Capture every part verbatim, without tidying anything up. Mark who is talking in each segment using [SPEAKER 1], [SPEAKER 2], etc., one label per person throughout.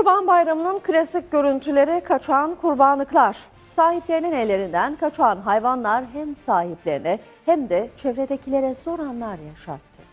[SPEAKER 1] Kurban Bayramı'nın klasik görüntüleri kaçan kurbanlıklar. Sahiplerinin ellerinden kaçan hayvanlar hem sahiplerine hem de çevredekilere zor anlar yaşattı.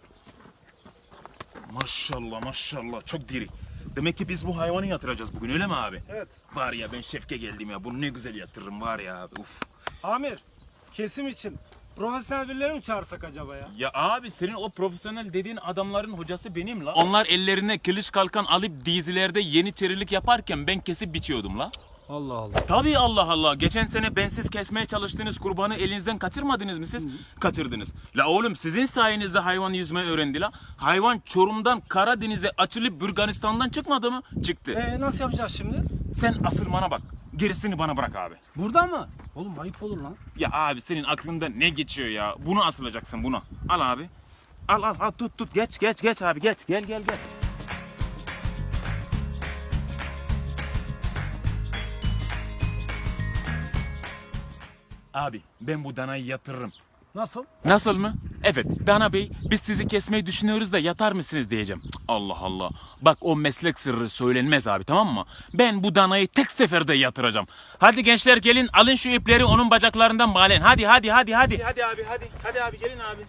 [SPEAKER 2] Maşallah maşallah çok diri. Demek ki biz bu hayvanı yatıracağız bugün, öyle mi abi?
[SPEAKER 3] Evet.
[SPEAKER 2] Var ya, ben şefke geldim ya, bunu ne güzel yatırırım var ya abi, uf.
[SPEAKER 3] Amir, kesim için profesyonel birileri mi çağırsak acaba ya?
[SPEAKER 2] Ya abi, senin o profesyonel dediğin adamların hocası benim la. Onlar ellerine kılıç kalkan alıp dizilerde yeniçerilik yaparken ben kesip biçiyordum la.
[SPEAKER 3] Allah Allah.
[SPEAKER 2] Tabii, Allah Allah. Geçen sene bensiz kesmeye çalıştığınız kurbanı elinizden kaçırmadınız mı siz? Hı. Kaçırdınız. La oğlum, sizin sayenizde hayvan yüzmeyi öğrendi la. Hayvan Çorum'dan Karadeniz'e açılıp Burganistan'dan çıkmadı mı? Çıktı.
[SPEAKER 3] Ee, nasıl yapacağız şimdi?
[SPEAKER 2] Sen asılmana bak. Gerisini bana bırak abi.
[SPEAKER 3] Burada mı? Oğlum ayıp olur lan.
[SPEAKER 2] Ya abi, senin aklında ne geçiyor ya? Bunu asılacaksın, bunu. Al abi. Al al al, tut tut. Geç geç geç abi, geç. Gel gel gel. Abi, ben bu danayı yatırırım.
[SPEAKER 3] Nasıl?
[SPEAKER 2] Nasıl mı? Evet, Dana Bey, biz sizi kesmeyi düşünüyoruz da yatar mısınız diyeceğim. Cık, Allah Allah. Bak, o meslek sırrı söylenmez abi, tamam mı? Ben bu danayı tek seferde yatıracağım. Hadi gençler, gelin alın şu ipleri onun bacaklarından bağlayın. Hadi hadi hadi hadi. Hadi abi, hadi. Hadi abi, gelin abi.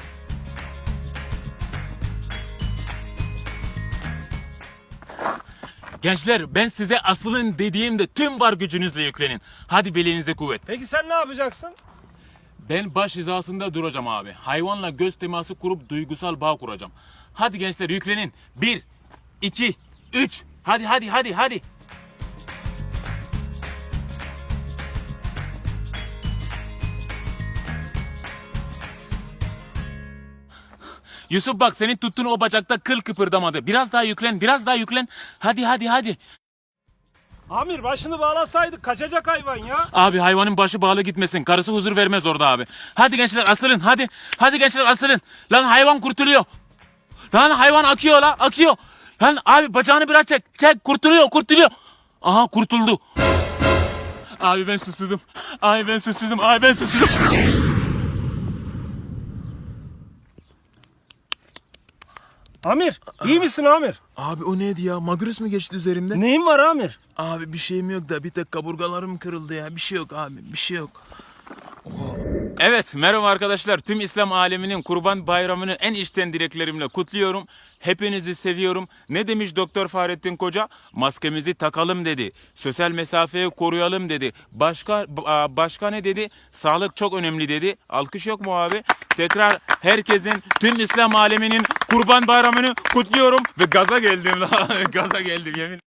[SPEAKER 2] Gençler, ben size asılın dediğimde tüm var gücünüzle yüklenin. Hadi belinize kuvvet.
[SPEAKER 3] Peki sen ne yapacaksın?
[SPEAKER 2] Ben baş hizasında duracağım abi. Hayvanla göz teması kurup duygusal bağ kuracağım. Hadi gençler, yüklenin. Bir, iki, üç. Hadi hadi hadi hadi. Yusuf bak, senin tuttuğun o bacakta kıl kıpırdamadı. Biraz daha yüklen, biraz daha yüklen. Hadi hadi hadi.
[SPEAKER 3] Amir, başını bağlasaydık kaçacak hayvan ya.
[SPEAKER 2] Abi, hayvanın başı bağlı gitmesin. Karısı huzur vermez orada abi. Hadi gençler, asılın hadi. Hadi gençler, asılın. Lan hayvan kurtuluyor. Lan hayvan akıyor la, akıyor. Lan abi, bacağını biraz çek. Çek, kurtuluyor kurtuluyor. Aha, kurtuldu. Abi ben susuzum. Abi ben susuzum. Abi ben susuzum.
[SPEAKER 3] Amir, iyi misin Amir?
[SPEAKER 4] Abi o neydi ya? Magros mu geçti üzerimden?
[SPEAKER 3] Neyin var Amir?
[SPEAKER 4] Abi bir şeyim yok da bir tek kaburgalarım kırıldı ya. Bir şey yok abi, bir şey yok.
[SPEAKER 2] Evet, merhaba arkadaşlar. Tüm İslam aleminin Kurban Bayramı'nı en içten dileklerimle kutluyorum. Hepinizi seviyorum. Ne demiş Doktor Fahrettin Koca? Maskemizi takalım dedi. Sosyal mesafeyi koruyalım dedi. Başka başka ne dedi? Sağlık çok önemli dedi. Alkış yok mu abi? Tekrar herkesin, tüm İslam aleminin Kurban Bayramı'nı kutluyorum ve gaza geldim la. Gaza geldim yemin.